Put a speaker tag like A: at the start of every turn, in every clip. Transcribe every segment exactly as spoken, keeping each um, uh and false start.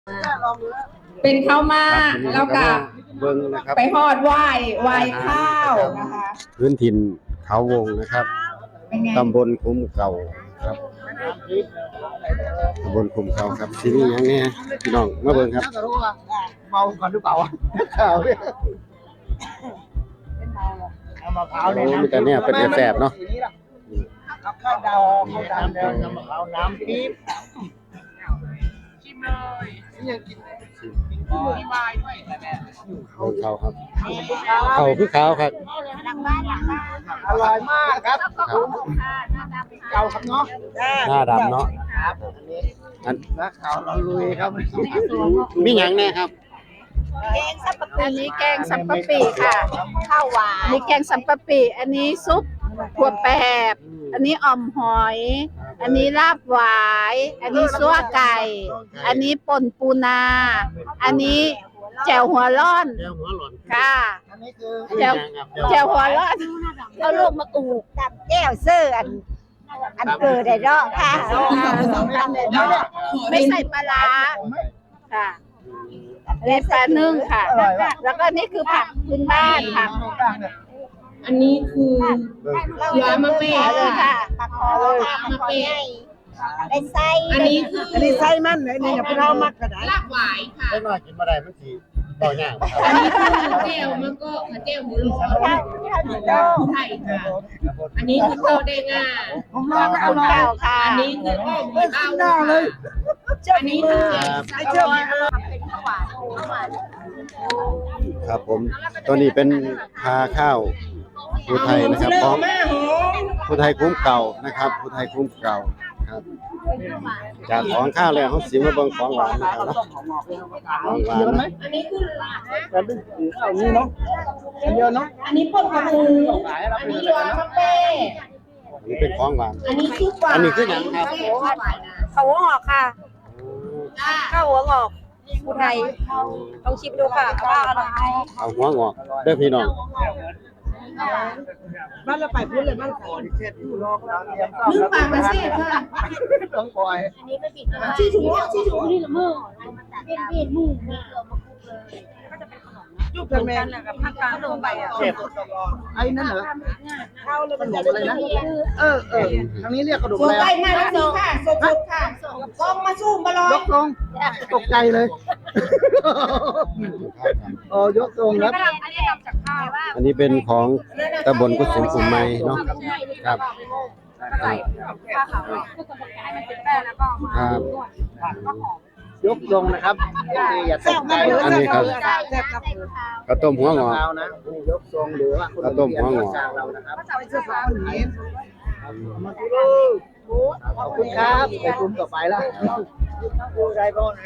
A: เป็นข้าวมากแล้วก็
B: เบิ้งนะครับ
A: ไปทอดไหว้ไหว้ข้าวนะคะ
B: พื้นถิ่นเขาวงนะครับตำบลคุ้มเก่าครับตำบลคุ้มเก่าครับที่นี่ยังไงพี่น้องมาเบิ้งครับ
C: เมาก่อนหรือเปล่าข่าวเนี่ยเอามะพร้าว
B: โอ้มีแต่เนี่ยเป็นแสบเนาะ
C: ข้าวดาวข้าวดาวแล้วน้ำมะพร้าวน้ำปี๊บชิมเลยนี่ยังกินมีวายด้วยแม่
B: ของเขาครับเขาคือขาวครับ
C: อร่อยมากครับเก่าครับเนาะ
B: หน้าดำเนาะ
C: ครับอันนี้นักข่าวเราลุยครับ
B: มีหยังแน่ครับ
A: อันนี้แกงสัมปะปีค่ะข้าวหวานนี่แกงสัมปะปีอันนี้ซุปถั่วแปบอันนี้อ่อมหอย อันนี้ลาบหวายอันนี้ซั่วไก่ อันนี้ป่นปูนา อันนี้แจ่วหัวร่อน
B: แก้วหัวหล่อน
A: ค่ะ
C: อันนี้คือ
A: แจ่วแจ่วหัวร่อนเอาลูกมะกรูด
D: ตับแก้วเสื้ออันอันเกิดได้เนาะค่ะ
A: ไม่ใส่ปลาร้าค่ะอันนี้ปลานึ่งค่ะ แล้วก็นี่คือผักพื้นบ้านค่ะ อันนี้คือเสือมะเป้
D: เลยค่ะปลาคอเลยปลาคอใหญ่ได้ไส้
A: อันนี้คือ
C: อันนี้ไส้มันไหนนี่อย่าไปเอามักกระดาษ
A: ลาบหวายค่ะ
B: ได้มากินมาได้มันสีต่อย่าง
A: อันนี้คือเจลมันก็เจลหมูโล
D: ข้าวข้าวเหนียว
A: ไทยค่ะ อันนี้คือข้าวแดงอ่ะ
C: ผมลองไม่อร่อย
D: ข้าวค่ะ
A: อันนี้คืออ้อมหมูเต้าค่ะอันนี้คือ
C: ไอ้เชื่อม
D: เป็นข้าวหวานข้าวหวาน
B: ครับผมตัวนี้เป็นพาข้าวผู้ไทยนะครับของผู้ไทยคุ้มเก่านะครับผู้ไทยคุ้มเก่าครับจากของข้าวแล้วเขาสิมาเบิ่งของหวานนะครับเนาะของหวาน
C: ไหม
B: นะ
A: อันนี้คือ
C: แต่เป็นข้าวนี้เนาะเยอะเนาะ
A: อันนี้ป่นกระปู
C: ขายเรา
A: อัน
C: เป็น
A: นี้
C: อะไร
A: รวม
C: นะ
A: มะเป้
B: อันนี้เป็นของหวาน
A: อันนี้ซุปหวาน
B: อันนี้คือหยังครับ
D: ข้าวหัวงอกค่ะข้าวหัวงอกอุทัยลองชิมดูค่ะว่าอร่อยไหม
B: เอาหัวงอกเด้อพี่น้อง
C: บ้านเราไปพูดเลยบ้านก่อนเช็ดอยู่รอบแล้วเตรียมต้อน
A: นึ่งปลามาเซ่ค่ะ
C: ต้องปล่อย
A: ชี้ถุงชี้ถุงนี่ละมือ
C: ยุบกันแม่กับภาคกลางลงไปอ่ะเจ็บไอ้นั่นเหรอข้าวแล้วมันหลบอะไรนะเออเออทางนี้เรียกกระดูก
A: ส่ง
C: แล้ว
A: ไปมาแล้วนี่ค่ะสดๆค่ะกล้องมาสู้มาลอย
C: ยกลงตกใจเลยอ๋อยกลงแล้ว
B: อันนี้เป็นของตำบลกุศุมกุมไม้เนาะครับครับ
C: ยกลงนะครับอย่าตกใจ
B: อันนี้ครับข้าวต้มหัวงอก
C: เรานะยกทรงหรือว่าคุณเรานะครับมาดูขอบคุณครับไปกลุ่มต่อไปละดูได้บ้างนะ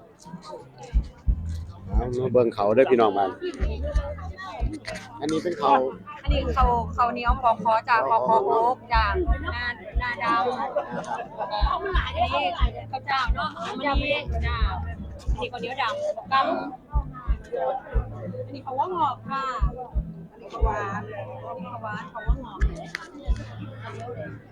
B: เอามาเบิ่งเขาเด้อพี่น้องบ้านอันนี้เป็นเขา
D: อันนี้เขาเขาเหนียวปอกคอจากปอกคอโอ๊กจากนานาดาวอันนี้ข้าวเจ้าเนาะอันนี้จ้าอันนี้ข้าวเหนียวดำกำอันนี้เขาว่างอกค่ะอันนี้เขาหวานอันนี้เขาหวานเขาว่างอก